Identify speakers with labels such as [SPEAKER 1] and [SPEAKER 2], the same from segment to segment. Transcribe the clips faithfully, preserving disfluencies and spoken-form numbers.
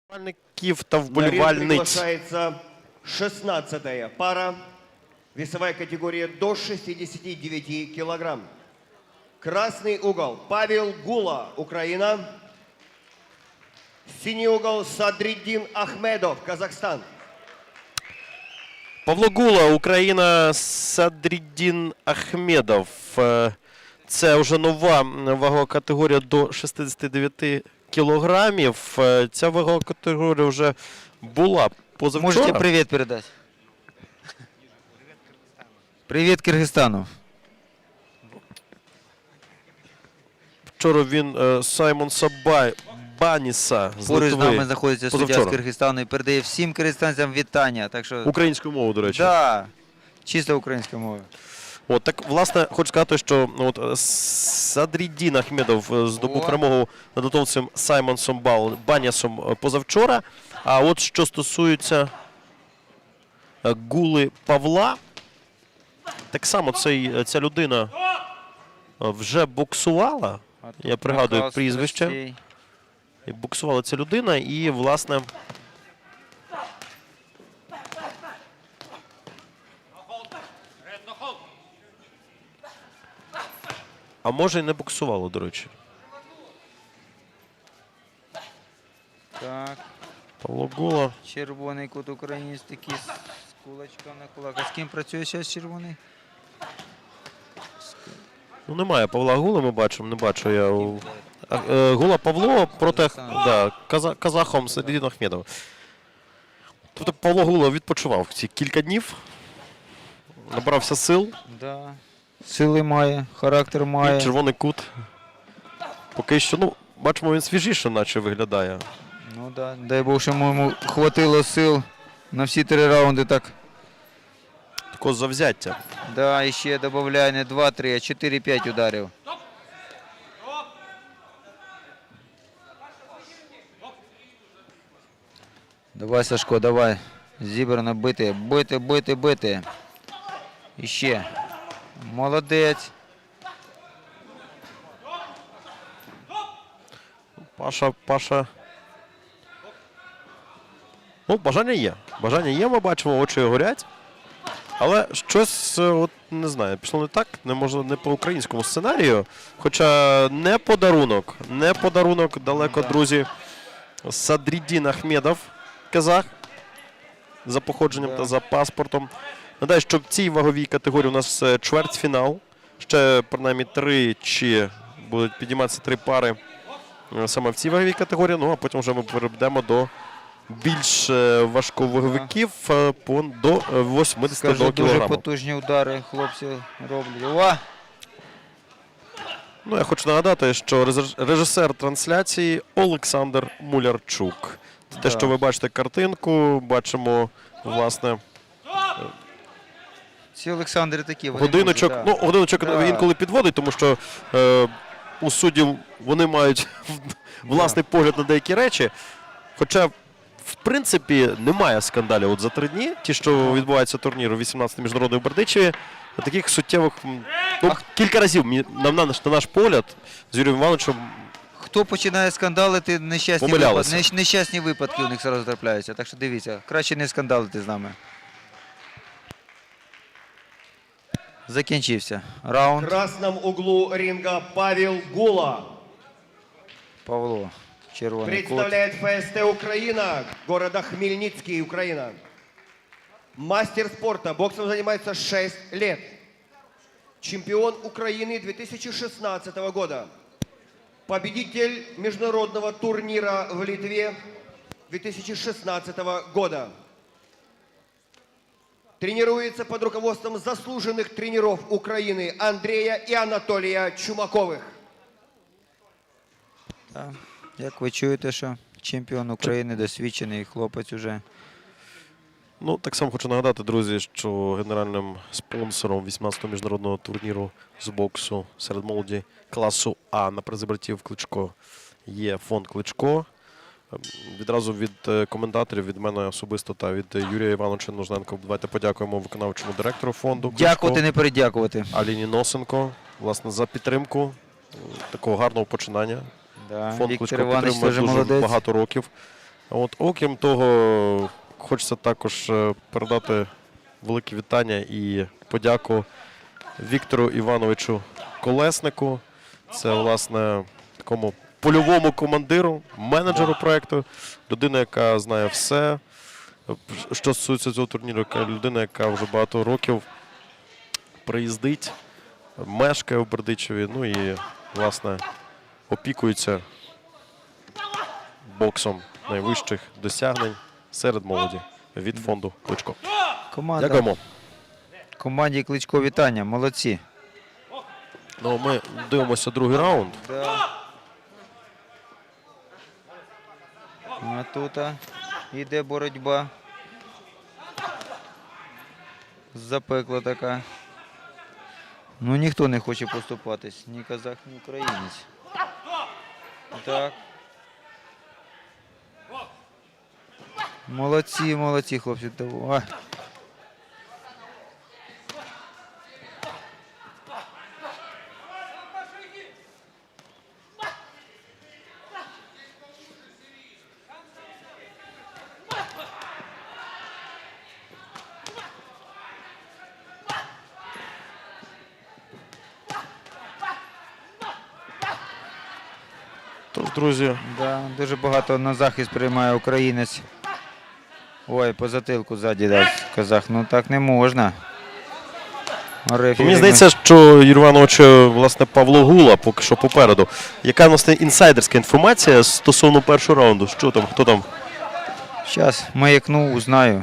[SPEAKER 1] Вболівальників та
[SPEAKER 2] На ринг
[SPEAKER 1] вболівальниць.
[SPEAKER 2] приглашается шестнадцатая пара. Весовая категория до шестидесяти девяти килограмм. Красный угол Павел Гула, Украина. Синий угол Садриддин Ахмедов, Казахстан.
[SPEAKER 1] Павло Гула, Україна, Садриддін Ахмедов. Е, Це вже нова вагова категорія до шістдесяти дев'яти кілограмів. Е, Ця вагова категорія вже була позавчора.
[SPEAKER 3] Можете привет передать? Привет Киргизстану.
[SPEAKER 1] Вчора він е, Саймон Сабай Баніса з
[SPEAKER 3] Поруч з
[SPEAKER 1] Литви.
[SPEAKER 3] нами знаходиться суддя з
[SPEAKER 1] позавчора.
[SPEAKER 3] Киргизстану і передає всім киргизстанцям вітання. Так що,
[SPEAKER 1] Українською мовою, до речі.
[SPEAKER 3] да, чисто українська мова.
[SPEAKER 1] От, так, власне, хочу сказати, що ну, от, Садриддін Ахмедов е, здобув
[SPEAKER 3] О.
[SPEAKER 1] перемогу над литовцем Саймонсом Бал Банісом е, позавчора. А от що стосується е, Гули Павла, так само цей, ця людина е, вже боксувала.
[SPEAKER 3] А тут
[SPEAKER 1] Я пригадую
[SPEAKER 3] накал
[SPEAKER 1] прізвище.
[SPEAKER 3] страстей.
[SPEAKER 1] І боксувала ця людина і, власне, а може і не боксувала, до речі.
[SPEAKER 3] Так,
[SPEAKER 1] Павло Гула.
[SPEAKER 3] червоний кут українець такий з кулачком на кулак. А з ким працює зараз червоний?
[SPEAKER 1] Ну, немає Павла Гули, ми бачимо, не бачу я. у- А, е, Гула Павло проти да, каза, казахом Садриддін Ахмедов. Тобто Павло Гула відпочивав ці кілька днів, набрався сил,
[SPEAKER 3] Да. Сили має, характер
[SPEAKER 1] і
[SPEAKER 3] має.
[SPEAKER 1] червоний кут. Поки що, ну, бачимо, він свіжіше наче виглядає.
[SPEAKER 3] Ну да, дай Бог, що йому хватило сил на всі три раунди так.
[SPEAKER 1] Такого завзяття.
[SPEAKER 3] Да, і ще додає не два-три, а чотири-п'ять ударів. Давай, Сашко, давай. Зібрано бити, бити, бити, бити. І ще. Молодець.
[SPEAKER 1] Паша, Паша. Ну, бажання є. Бажання є, ми бачимо, очі горять. Але щось, е, от, не знаю, пішло не так, не можна не по українському сценарію. Хоча не подарунок, не подарунок далеко,
[SPEAKER 3] Да.
[SPEAKER 1] друзі. Садриддін Ахмедов, казах, за походженням
[SPEAKER 3] Да.
[SPEAKER 1] та за паспортом. Нагадаю, що в цій ваговій категорії у нас е, чвертьфінал. Ще, принаймні, тричі будуть підійматися три пари е, саме в цій ваговій категорії. Ну, а потім вже ми перейдемо до більш е, важковаговиків е, по- до е, вісімдесят
[SPEAKER 3] Скажу, дуже
[SPEAKER 1] кілограмів.
[SPEAKER 3] потужні удари хлопці роблять. Ова!
[SPEAKER 1] Ну, я хочу нагадати, що реж- режисер трансляції Олександр Мулярчук. Це те,
[SPEAKER 3] Да.
[SPEAKER 1] що ви бачите картинку, бачимо, власне,
[SPEAKER 3] Ці Олександри такі. вони
[SPEAKER 1] годиночок.
[SPEAKER 3] можуть, да.
[SPEAKER 1] Ну, годиночок
[SPEAKER 3] Да.
[SPEAKER 1] інколи підводить, тому що е, у суддів вони мають власний погляд на деякі речі. Хоча, в принципі, немає скандалів от за три дні. Ті, що відбуваються турніру вісімнадцятий міжнародний у Бердичеві, таких суттєвих, м, ну, кілька разів, мені- на, наш, на наш погляд, з Юрієм Івановичем.
[SPEAKER 3] Хто починає скандалити, нещасні
[SPEAKER 1] Помилялися.
[SPEAKER 3] випадки, нещасні випадки у них зараз трапляються. Так що дивіться, краще не скандалити з нами. Закінчився
[SPEAKER 2] В
[SPEAKER 3] раунд.
[SPEAKER 2] красном углу ринга Павел Гула.
[SPEAKER 3] Павло, червоний кут.
[SPEAKER 2] Представляет ФСТ Украина, города Хмельницкий, Украина. Мастер спорта, боксом занимается шесть лет. Чемпион Украины две тысячи шестнадцатого года. Победитель международного турнира в Литве две тысячи шестнадцатого года. Тренируется под руководством заслуженных тренеров Украины Андрея и Анатолия Чумаковых.
[SPEAKER 3] Так. Як ви чуєте, що чемпіон України, досвідчений хлопець уже.
[SPEAKER 1] Ну, так само хочу нагадати, друзі, що генеральним спонсором вісімнадцятого міжнародного турніру з боксу серед молоді класу А на призи братів Кличко є фонд Кличко. Ем, Відразу від е, коментаторів, від мене особисто та від е, Юрія Івановича Нужненко давайте подякуємо виконавчому директору фонду Кличко
[SPEAKER 3] Дякувати, не передякувати.
[SPEAKER 1] Аліні Носенко, власне, за підтримку е, такого гарного починання.
[SPEAKER 3] Да.
[SPEAKER 1] Фонд
[SPEAKER 3] Віктор
[SPEAKER 1] Кличко
[SPEAKER 3] Іванович
[SPEAKER 1] підтримує
[SPEAKER 3] теж
[SPEAKER 1] дуже
[SPEAKER 3] молодець.
[SPEAKER 1] багато років. От, окрім того, хочеться також е, передати велике вітання і подяку Віктору Івановичу Колеснику. Це, власне, такому польовому командиру, менеджеру проєкту, людина, яка знає все, що стосується цього турніру, яка людина, яка вже багато років приїздить, мешкає в Бердичеві, ну і, власне, опікується боксом найвищих досягнень серед молоді від фонду Кличко.
[SPEAKER 3] Команда.
[SPEAKER 1] Дякуємо.
[SPEAKER 3] Команді Кличко вітання, молодці.
[SPEAKER 1] Ну, ми дивимося другий раунд.
[SPEAKER 3] Да. А тут а, іде боротьба. Запекла така. Ну ніхто не хоче поступатись, ні казах, ні українець. Так. Молодці, молодці, хлопці. Давай.
[SPEAKER 1] Тож, друзі,
[SPEAKER 3] Да, дуже багато на захист приймає українець. Ой, по затилку ззаді дав казах. Ну так не можна. Рефері-
[SPEAKER 1] мені здається, що Юрій Іванович, власне, Павло Гула поки що попереду. Яка, власне, інсайдерська інформація стосовно першого раунду? Що там, хто там?
[SPEAKER 3] Зараз маякну, узнаю.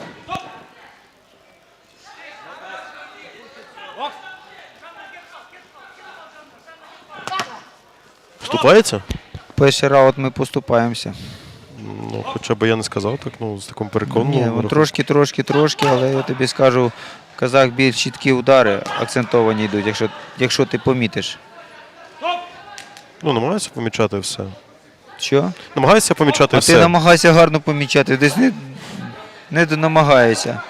[SPEAKER 1] Вступається?
[SPEAKER 3] Перший раунд ми поступаємося.
[SPEAKER 1] Ну, хоча б я не сказав так, ну, з таким
[SPEAKER 3] Ні,
[SPEAKER 1] переконаним.
[SPEAKER 3] ну,
[SPEAKER 1] рахунком.
[SPEAKER 3] трошки, трошки, трошки, але я тобі скажу, в казах більш чіткі удари акцентовані йдуть, якщо, якщо ти помітиш.
[SPEAKER 1] Ну, намагаюся помічати все.
[SPEAKER 3] Що?
[SPEAKER 1] Намагаюся помічати
[SPEAKER 3] А
[SPEAKER 1] все.
[SPEAKER 3] ти намагайся гарно помічати, десь не, не намагаєшся.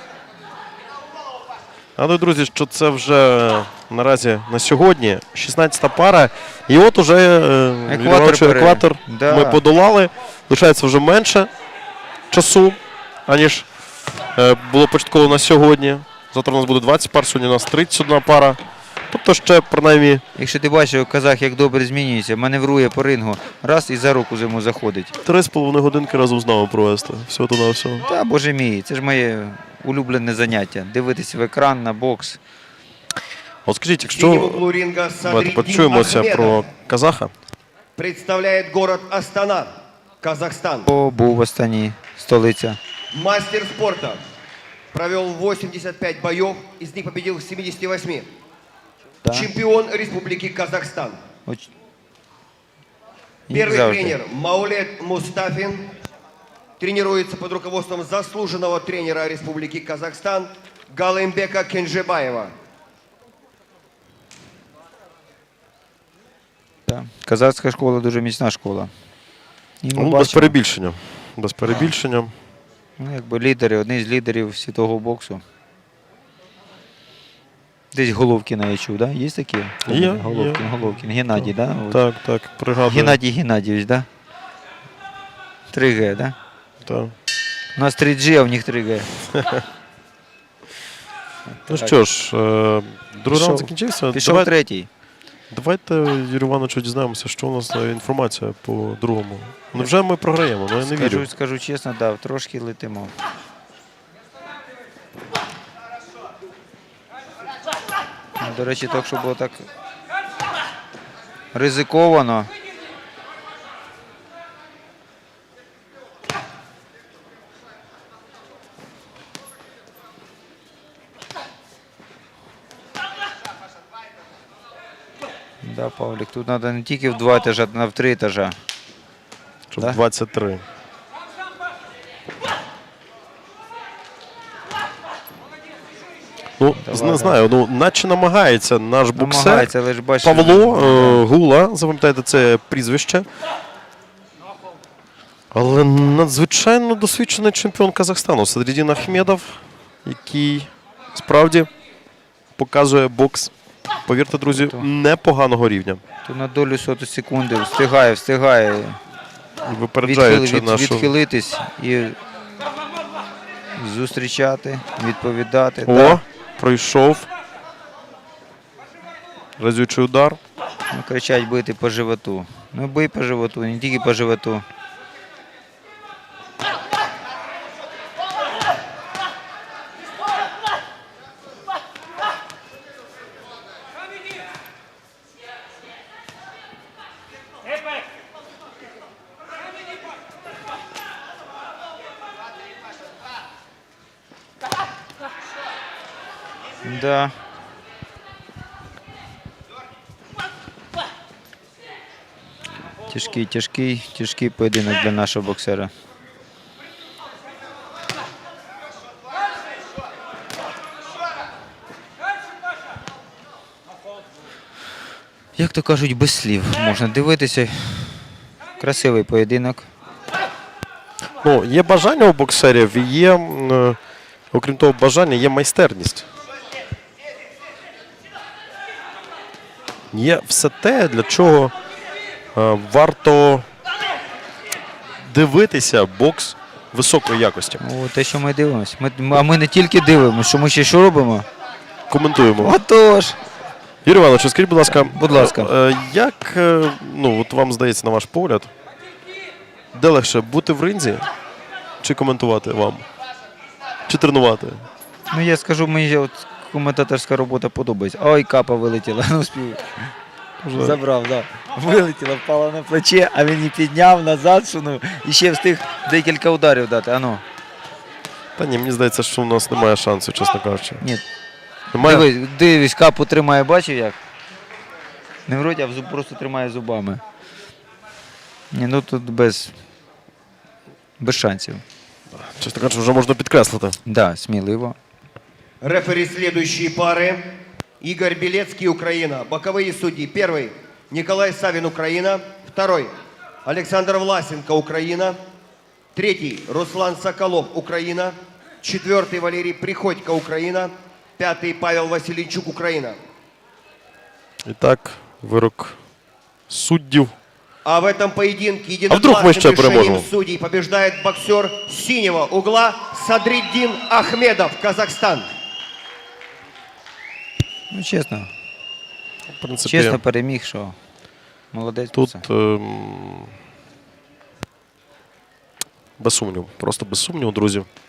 [SPEAKER 1] Але, друзі, що це вже наразі на сьогодні шістнадцята пара. І от уже е, Юрій Іванович,
[SPEAKER 3] пере-
[SPEAKER 1] екватор
[SPEAKER 3] Да.
[SPEAKER 1] ми подолали. Лишається вже менше часу, аніж е, було початково на сьогодні. Завтра у нас буде двадцять пар, сьогодні у нас тридцять одна пара. Тобто ще, принаймні,
[SPEAKER 3] Якщо ти бачив, казах як добре змінюється, маневрує по рингу, раз і за руку йому заходить.
[SPEAKER 1] три з половиною годинки разом з нами провести. Всього то на всього.
[SPEAKER 3] Та, боже мій, це ж моє улюблене заняття. Дивитися в екран на бокс.
[SPEAKER 1] От скажіть,
[SPEAKER 2] В синем
[SPEAKER 1] якщо
[SPEAKER 2] углу ринга
[SPEAKER 1] давайте
[SPEAKER 2] Садриддин
[SPEAKER 1] почуємося
[SPEAKER 2] Ахмедов
[SPEAKER 1] про казаха.
[SPEAKER 2] представляет город Астана, Казахстан.
[SPEAKER 3] О, був в Астані, столиця.
[SPEAKER 2] Мастер спорта. Провел восемьдесят пять боев, из них победил в семидесяти восьми.
[SPEAKER 3] Да.
[SPEAKER 2] Чемпион Республики Казахстан.
[SPEAKER 3] Оч- Як
[SPEAKER 2] Первый
[SPEAKER 3] завжди.
[SPEAKER 2] тренер Маулет Мустафин. Тренируется под руководством заслуженного тренера Республики Казахстан Галымбека Кенжебаева.
[SPEAKER 3] Да. Казахська школа дуже міцна школа. І ми
[SPEAKER 1] Ну, без
[SPEAKER 3] бачимо,
[SPEAKER 1] перебільшення. Без перебільшення.
[SPEAKER 3] ну, якби лідери, одні з лідерів світового боксу. Десь Головкіна я чув, да? Є такі?
[SPEAKER 1] Є,
[SPEAKER 3] Головкін,
[SPEAKER 1] є.
[SPEAKER 3] Головкін. Геннадій, да? От.
[SPEAKER 1] Так, так, пригадую.
[SPEAKER 3] Геннадій Геннадійович, да? три ге, да?
[SPEAKER 1] Так.
[SPEAKER 3] У нас три джі, а в них три ге.
[SPEAKER 1] Ну що ж, е, другий раунд закінчився.
[SPEAKER 3] Пішов
[SPEAKER 1] Давай-
[SPEAKER 3] третій.
[SPEAKER 1] Давайте, Юрій Івановичу, дізнаємося, що у нас за інформація по другому. Ну вже ми програємо, ну я не
[SPEAKER 3] Скажу,
[SPEAKER 1] вірю.
[SPEAKER 3] скажу чесно, да, трошки летимо. До речі, так, що було так ризиковано. Да, Павлік, тут треба не тільки в два етажа, а в три етажа.
[SPEAKER 1] Щоб
[SPEAKER 3] Да?
[SPEAKER 1] двадцять три. Ну,
[SPEAKER 3] Давай,
[SPEAKER 1] не
[SPEAKER 3] давай.
[SPEAKER 1] знаю, ну наче намагається наш боксер
[SPEAKER 3] Намагається, але ж бачиш.
[SPEAKER 1] Павло е, Гула, запам'ятайте це прізвище. Але надзвичайно досвідчений чемпіон Казахстану Садриддин Ахмедов, який справді показує бокс, повірте, друзі, непоганого рівня.
[SPEAKER 3] То на долю соту секунди встигає, встигає.
[SPEAKER 1] Випереджаючи
[SPEAKER 3] відхили- від-
[SPEAKER 1] нашу...
[SPEAKER 3] відхилитись і зустрічати, відповідати.
[SPEAKER 1] О,
[SPEAKER 3] Да.
[SPEAKER 1] пройшов. Разючий удар.
[SPEAKER 3] Ну, кричать бити по животу. Ну бий по животу, не тільки по животу. Да. Тяжкий, тяжкий, тяжкий поєдинок для нашого боксера. Як то кажуть, без слів можна дивитися. Красивий поєдинок.
[SPEAKER 1] Ну, є бажання у боксерів, і є, м, окрім того, бажання, є майстерність. Є все те, для чого е, варто дивитися бокс високої якості.
[SPEAKER 3] О, те, що ми дивимося. Ми, а ми не тільки дивимося, що ми ще що робимо?
[SPEAKER 1] Коментуємо.
[SPEAKER 3] Отож.
[SPEAKER 1] Юрій Іванович, скажіть, будь ласка,
[SPEAKER 3] Будь ласка.
[SPEAKER 1] е, як, е, ну, от вам здається, на ваш погляд, де легше бути в ринзі чи коментувати вам? Чи тренувати?
[SPEAKER 3] Ну я скажу, мені от коментаторська робота подобається. Ой, капа вилетіла. Ну, спів. Забрав, так. Да. Вилетіла, впала на плече, а він її підняв, назад сунув і ще встиг декілька ударів дати. Ану.
[SPEAKER 1] Та ні, мені здається, що у нас немає шансу, чесно кажучи.
[SPEAKER 3] Ні.
[SPEAKER 1] Немає?
[SPEAKER 3] Дивись, дивись, капу тримає, бачив як? Не в роті, а в зуб, просто тримає зубами. Ні, ну тут без, без шансів.
[SPEAKER 1] Чесно кажучи, вже можна підкреслити.
[SPEAKER 3] Так, да, сміливо.
[SPEAKER 2] Рефери следующие пары. Игорь Белецкий, Украина. Боковые судьи. Первый – Николай Савин, Украина. Второй – Александр Власенко, Украина. Третий – Руслан Соколов, Украина. Четвертый – Валерий Приходько, Украина. Пятый – Павел Васильчук, Украина.
[SPEAKER 1] І так, вирок суддів.
[SPEAKER 2] А в этом поединке
[SPEAKER 1] А вдруг мы еще
[SPEAKER 2] единогласным решением
[SPEAKER 1] переможем?
[SPEAKER 2] судей побеждает боксер синего угла Садриддин Ахмедов, Казахстан.
[SPEAKER 3] Ну, чесно.
[SPEAKER 1] В принципі,
[SPEAKER 3] Чесно переміг, що молодець.
[SPEAKER 1] тут
[SPEAKER 3] Тут...
[SPEAKER 1] ем, без сумніву. Просто без сумніву, друзі.